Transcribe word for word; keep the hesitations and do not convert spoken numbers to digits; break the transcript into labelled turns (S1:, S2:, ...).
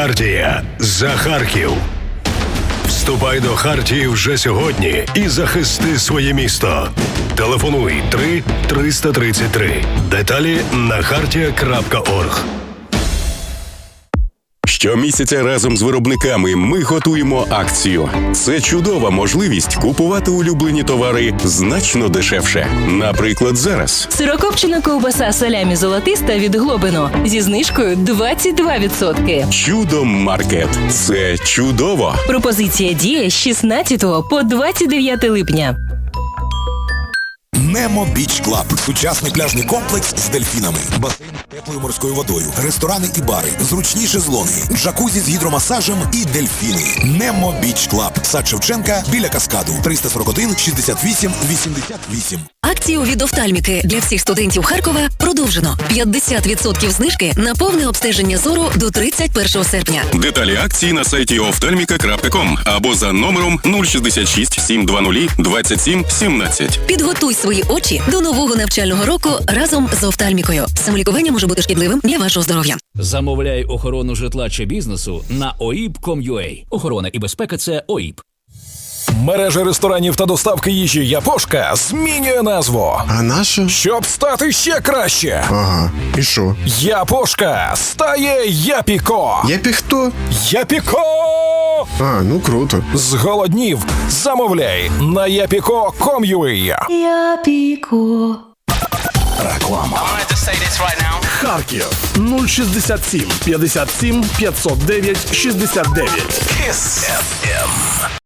S1: Хартія за Харків. Вступай до Хартії вже сьогодні і захисти своє місто. Телефонуй три триста тридцять три. Деталі на хартія крапка орг.
S2: Щомісяця разом з виробниками ми готуємо акцію. Це чудова можливість купувати улюблені товари значно дешевше. Наприклад, зараз.
S3: Сирокопчена ковбаса салямі золотиста від Глобино зі знижкою двадцять два відсотки.
S2: Чудо-маркет. Це чудово.
S3: Пропозиція діє з шістнадцятого по двадцять дев'яте липня.
S4: Немо Біч Клаб – сучасний пляжний комплекс з дельфінами, басейн з теплою морською водою, ресторани і бари, зручні шезлонги, джакузі з гідромасажем і дельфіни. Немо Біч Клаб, сад Шевченка, біля каскаду, триста сорок один шістдесят вісім вісімдесят вісім.
S5: Акцію від офтальміки для всіх студентів Харкова продовжено. п'ятдесят відсотків знижки на повне обстеження зору до тридцять першого серпня.
S2: Деталі акції на сайті офтальміка крапка ком або за номером нуль шістдесят шість сім двадцять двадцять сім сімнадцять.
S5: Підготуй свої очі до нового навчального року разом з офтальмікою. Самолікування може бути шкідливим для вашого здоров'я.
S6: Замовляй охорону житла чи бізнесу на о і пі крапка ком крапка ю а. Охорона і безпека – це о і пі.
S7: Мережа ресторанів та доставки їжі «Япошка» змінює назву.
S8: А наша?
S7: Щоб стати ще краще.
S8: Ага. І що?
S7: «Япошка» стає «Япіко».
S8: Япі хто?
S7: «Япіко».
S8: А, ну круто.
S7: Зголоднів? Замовляй на япіко крапка ком крапка ю а.
S3: Япіко.
S7: Реклама.
S9: Харків нуль шістдесят сім п'ятдесят сім п'ятсот дев'ять шістдесят дев'ять.
S7: Кіс еф ем.